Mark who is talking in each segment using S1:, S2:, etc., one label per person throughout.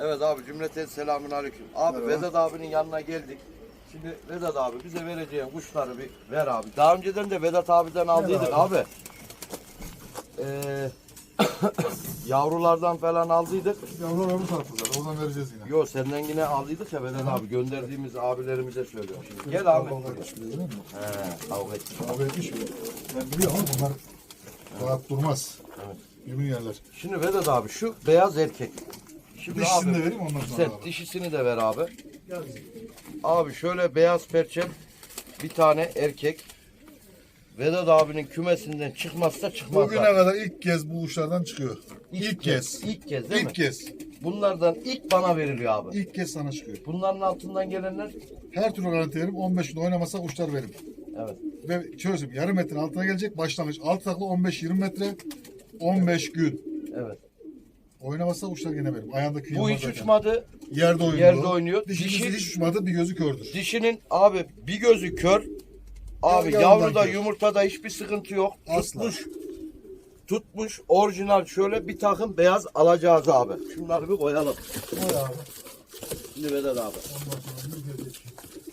S1: Evet abi, cümleten selamünaleyküm. Abi
S2: Merhaba.
S1: Vedat abinin yanına geldik. Şimdi Vedat abi bize vereceğin kuşları bir ver abi. Daha önceden de Vedat abiden aldıydık abi. Yavrulardan falan aldıydık.
S2: Yavrular öbür tarafta zaten. Oradan vereceğiz yine.
S1: Yo, senden yine aldıydık ya Vedat abi. Gönderdiğimiz abilerimize söylüyorum. Şimdi gel abi.
S2: Kavga etmiş biliyor musun?
S1: Kavga ettik.
S2: Kavga etmiş mi? Ben biliyorum ama bunlar rahat durmaz.
S1: Evet.
S2: Birbirini yerler.
S1: Şimdi Vedat abi şu beyaz erkek. Şimdi
S2: Dişisini
S1: abi,
S2: de vereyim ondan sonra
S1: sen
S2: abi.
S1: dişisini de ver abi.
S2: Gel.
S1: Abi şöyle beyaz perçem bir tane erkek. Vedat abinin kümesinden çıkmazsa çıkmaz.
S2: Bugüne kadar ilk kez bu uçlardan çıkıyor. İlk kez.
S1: İlk kez değil mi?
S2: İlk kez.
S1: Bunlardan ilk bana veriliyor abi.
S2: İlk kez sana çıkıyor.
S1: Bunların altından gelenler.
S2: Her türlü garanti veririm. 15 gün oynamasa uçlar verim.
S1: Evet.
S2: Ve şöyle söyleyeyim. Yarım metrenin altına gelecek. Başlangıç. Alt takla 15-20 metre. 15 gün.
S1: Evet.
S2: Oynamasa uçlar gene verim. Ayağındaki
S1: Bu hiç uçmadı.
S2: Yerde oynuyor.
S1: Yerde oynuyor.
S2: Dişisi
S1: Dişi-
S2: hiç uçmadı. Bir gözü kördür.
S1: Dişinin abi bir gözü kör. Abi
S2: Yavrudan
S1: yavruda
S2: kör.
S1: yumurtada hiçbir sıkıntı yok.
S2: Asla.
S1: Tutmuş orijinal şöyle bir takım beyaz alacağız abi. Şunları bir koyalım.
S2: Oy abi.
S1: Şimdi Vedat abi.
S2: Ondan sonra bir gelecek.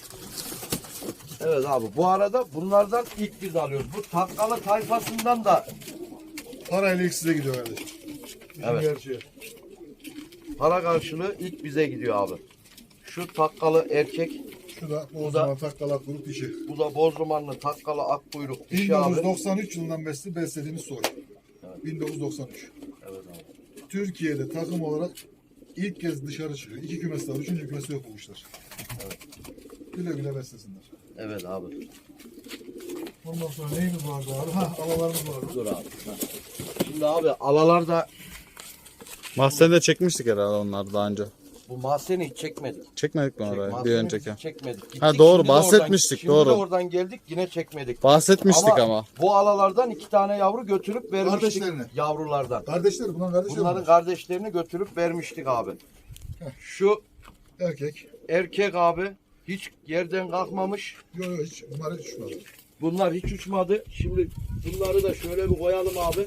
S1: Evet abi, bu arada bunlardan ilk biz alıyoruz. Bu takkalı tayfasından da
S2: Parayla ilk size gidiyor kardeşim.
S1: Evet.
S2: Gerçeği.
S1: para karşılığı ilk bize gidiyor abi. Şu takkalı erkek,
S2: Şu da
S1: Bu
S2: o
S1: da-
S2: zaman takkalak grup dişi.
S1: bu da bozdumanlı takkalı akkuyruk dişi abi.
S2: 1993 yılından beri beslediğimiz soy. 1993.
S1: Evet abi.
S2: Türkiye'de takım olarak ilk kez dışarı çıkıyor. 2 kümesi var. 3. kümesi yok bu kuşlar.
S1: Evet.
S2: Güle güle beslesinler.
S1: Evet abi.
S2: Ondan sonra neyimiz vardı abi? Ha, alalarımız vardı.
S1: Dur abi. Ha. Şimdi abi alalar da
S3: Mahzende çekmiştik herhalde onlar daha önce.
S1: bu mahzeni hiç çekmedik.
S3: Çekmedik mi orayı bir
S1: Mahzeni
S3: önceki?
S1: hiç çekmedik. Gittik,
S3: Ha, doğru,
S1: şimdi de oradan-
S3: bahsetmiştik,
S1: şimdi
S3: doğru.
S1: de oradan geldik yine çekmedik.
S3: Bahsetmiştik ama.
S1: Bu alalardan 2 tane yavru götürüp vermiştik.
S2: Kardeşlerine.
S1: Yavrulardan.
S2: Kardeşler, bunların kardeşleri
S1: Bunların
S2: var.
S1: kardeşlerini götürüp vermiştik abi. Şu
S2: Erkek.
S1: erkek abi hiç yerden kalkmamış.
S2: Yok yok hiç. Bunlar hiç uçmadı.
S1: Bunlar hiç uçmadı. Şimdi bunları da şöyle bir koyalım abi.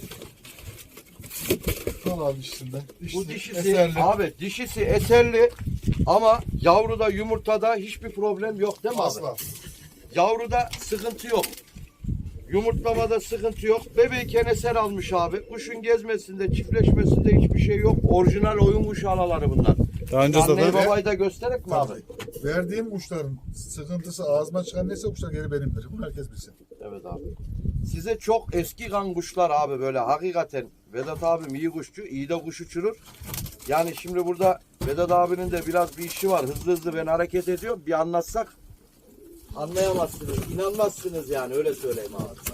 S2: Al abi dişisinden.
S1: Bu dişisi
S2: eserli.
S1: abi dişisi eserli ama yavruda yumurtada hiçbir problem yok değil mi abi?
S2: Asla.
S1: Yavruda sıkıntı yok. Yumurtlamada sıkıntı yok. Bebeyken eser almış abi. Kuşun gezmesinde, çiftleşmesinde hiçbir şey yok. Orijinal oyun kuşu alaları bunlar.
S3: Daha önce
S1: Anneyi
S3: zaten
S1: babayı da göstererek mi abi?
S2: Verdiğim kuşların sıkıntısı ağzıma çıkan neyse kuşlar geri benimdir. Bunu herkes bilsin.
S1: Evet abi. Size çok eski kan kuşlar abi böyle hakikaten. Vedat abim iyi kuşçu, iyi de kuş uçurur. Yani şimdi burada Vedat abinin de biraz bir işi var. Hızlı hızlı ben hareket ediyorum. Bir anlatsak anlayamazsınız. İnanmazsınız yani öyle söyleyeyim abi.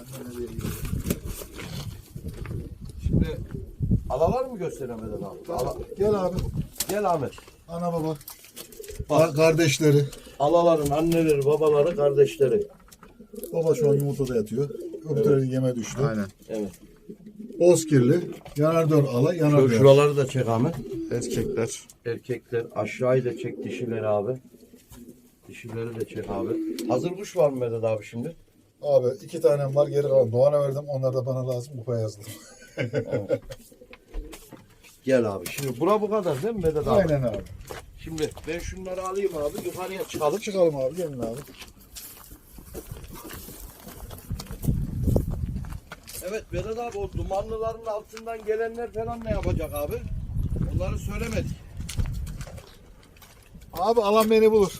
S1: Şimdi alalar mı göstereyim Vedat abi?
S2: Gel abi.
S1: Gel Ahmet.
S2: Ana baba. Kardeşleri.
S1: Alaların anneleri, babaları, kardeşleri.
S2: Baba şu an yumurtada yatıyor. Öbürleri yeme düştü.
S3: aynen.
S1: Evet.
S2: Bozkirli. Yanar dön ala, yanar dön.
S1: Şuraları da çek Ahmet.
S3: Erkekler.
S1: Erkekler aşağıyı da çek dişileri abi. Dişileri de çek abi. Hazır kuş var mı Vedat abi şimdi?
S2: Abi 2 tanem var, geri kalan Doğan'a verdim. Onlar da bana lazım. Kupaya yazdım.
S1: Gel abi. Şimdi bura bu kadar değil mi Vedat abi?
S2: Aynen abi.
S1: Şimdi ben şunları alayım abi. Yukarıya çıkalım.
S2: Çıkalım abi. Gelin abi.
S1: Evet Vedat abi, o dumanlıların altından gelenler falan ne yapacak abi? Onları söylemedik.
S2: Abi alan beni bulur.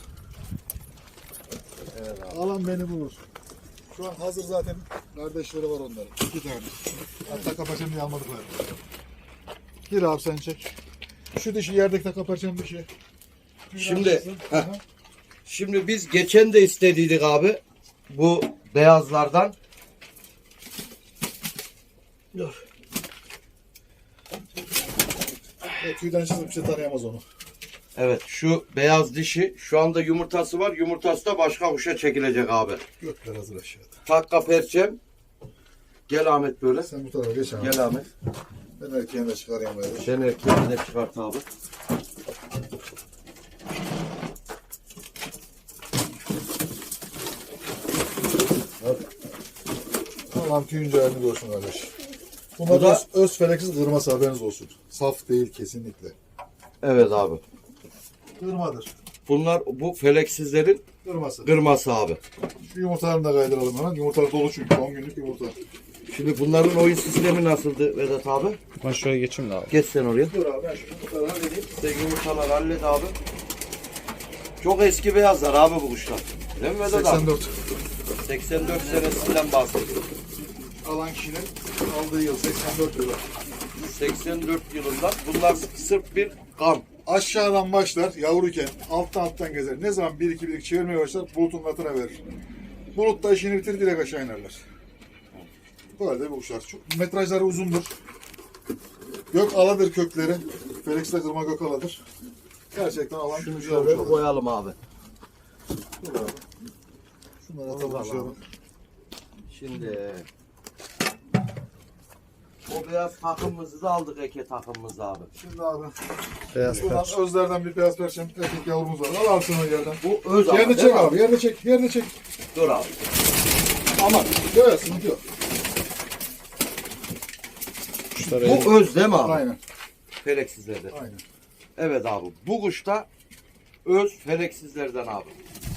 S1: Evet abi.
S2: Alan beni bulur. Şu an hazır zaten kardeşleri var onların. 2 tane. Hatta kapaçam diye almadıklar. Gir abi sen çek. Şu dişi yerdeki de kapaçam dişi.
S1: Şimdi şimdi biz geçen de istediydik abi bu beyazlardan. Dur.
S2: Tüyden çizip bir şey tanıyamaz onu.
S1: Evet, şu beyaz dişi şu anda yumurtası var. Yumurtası da başka kuşa çekilecek abi.
S2: Gökler hazır aşağıda.
S1: Takka perçem. Gel Ahmet böyle.
S2: Sen bu tarafa geç abi.
S1: Gel Ahmet.
S2: Ben erkeğini de çıkarayım böyle.
S1: Sen erkeğini de çıkart abi.
S2: Tamam tüyünce halini görsün kardeş.
S1: Bu
S2: Bunlar
S1: da-
S2: öz feleksiz kırması haberiniz olsun. Saf değil kesinlikle.
S1: Evet abi.
S2: Kırmadır.
S1: Bunlar bu feleksizlerin
S2: Kırması.
S1: kırması abi.
S2: Şu yumurtalarını da kaydıralım hemen. Yumurtalar dolu çünkü 10 günlük yumurta.
S1: Şimdi bunların oyun sistemi nasıldı Vedat abi?
S3: Ben şuraya geçeyim de abi.
S1: Geç sen oraya.
S2: Dur abi ben şu yumurtaları halledeyim.
S1: Sen yumurtalar hallet abi. Çok eski beyazlar abi bu kuşlar. Değil mi Vedat abi?
S2: 84.
S1: 84 senesinden bahsediyorum.
S2: Alan kişinin aldığı yıl 84 yılı.
S1: 84 yılından bunlar sırf bir kan.
S2: Aşağıdan başlar yavruyken alttan gezer. Ne zaman 1-2 çevirmeye başlar bulutun altına verir. Bulut da işini bitirir direkt aşağı inerler. Böyle de bu kuşlar. Çok, metrajları uzundur. Gök aladır kökleri. Felix'te kırma gök aladır. Gerçekten alan
S1: Şunu
S2: güzel
S1: şöyle
S2: kuşlar.
S1: koyalım abi.
S2: Dur abi. Şunları atalım
S1: Alalım
S2: aşağıdan.
S1: abi. Şimdi o beyaz takımımızı da aldık eke takımımızı abi.
S2: Şimdi abi.
S3: Beyaz
S2: Buradan
S3: perç.
S2: özlerden bir beyaz perçem erkek yavrumuz var. Al alsın o yerden.
S1: Bu öz ama,
S2: Yerde
S1: değil
S2: çek
S1: mi
S2: abi. Yerde çek. Yerde çek.
S1: Dur abi.
S2: Aman. Yok sıkıntı yok.
S3: Kuşlar el-
S1: Bu öz değil mi abi?
S2: Aynen.
S1: Feleksizlerden.
S2: Aynen.
S1: Evet abi. Bu kuş da öz feleksizlerden abi.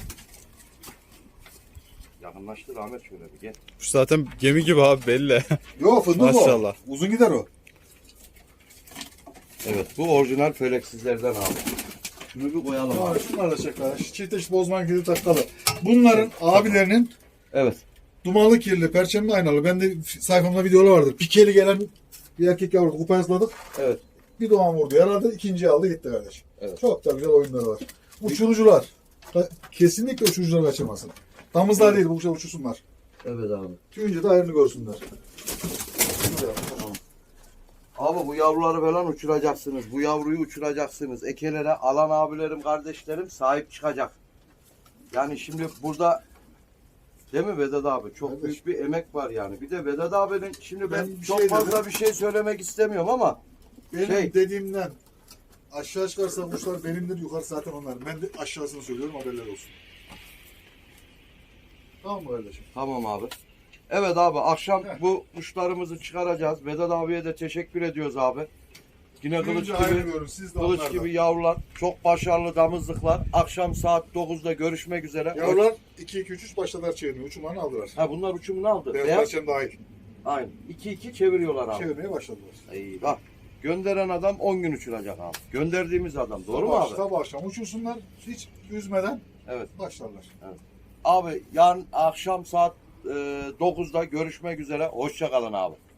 S1: Yakınlaştır Ahmet şöyle bir gel.
S3: Kuş zaten gemi gibi abi belli.
S2: Yok fındık
S3: Maşallah.
S2: o. Uzun gider o.
S1: Evet bu orijinal feleksizlerden abi. Şunu bir koyalım abi.
S2: Abi şunlar da çekler. Çift eş bozman gibi takkalı. Bunların abilerinin
S1: Evet.
S2: dumanlı kirli, perçemli aynalı. Ben de sayfamda videolar vardır. Pikeli gelen bir erkek yavru kupa yasladık.
S1: Evet.
S2: Bir doğan vurdu. Yaradı. İkinciyi aldı gitti kardeş.
S1: Evet.
S2: Çok da güzel oyunları var. Uçurucular. Kesinlikle uçurucular kaçırmasın. Damızlar değil bu kuşlar uçursunlar.
S1: Evet abi.
S2: Tüyünce de ayrını görsünler.
S1: Abi bu yavruları falan uçuracaksınız. Bu yavruyu uçuracaksınız. Ekelere alan abilerim, kardeşlerim sahip çıkacak. Yani şimdi burada değil mi Vedat abi? Çok
S2: Evet.
S1: büyük bir emek var yani. Bir de Vedat abinin şimdi ben
S2: Ben bir
S1: çok
S2: şey
S1: fazla
S2: dedim.
S1: bir şey söylemek istemiyorum ama
S2: Benim
S1: Şey-
S2: dediğimden aşağı çıkarsa kuşlar benimdir, yukarı zaten onlar. Ben de aşağısını söylüyorum, haberler olsun. Tamam mı kardeşim?
S1: tamam abi. Evet abi akşam
S2: Heh.
S1: bu kuşlarımızı çıkaracağız. Vedat abiye de teşekkür ediyoruz abi. Yine kılıç
S2: Önce
S1: gibi,
S2: ayrılıyorum, siz de
S1: kılıç
S2: onlardan.
S1: gibi yavrular. Çok başarılı damızlıklar. Akşam saat 9'da görüşmek üzere.
S2: Yavrular 2-2-3-3 başladılar çevirmeye. Uçumlarını aldılar.
S1: Ha bunlar uçumunu aldı.
S2: Beyaz
S1: Beyaz.
S2: perçem dahil.
S1: Aynen. 2-2 çeviriyorlar abi.
S2: Çevirmeye başladılar.
S1: İyi bak. Gönderen adam 10 gün uçuracak abi. Gönderdiğimiz adam. Doğru mu abi?
S2: Sabah akşam uçursunlar, hiç üzmeden
S1: Evet.
S2: başlarlar.
S1: Abi yarın akşam saat 9'da görüşmek üzere. Hoşça kalın abi.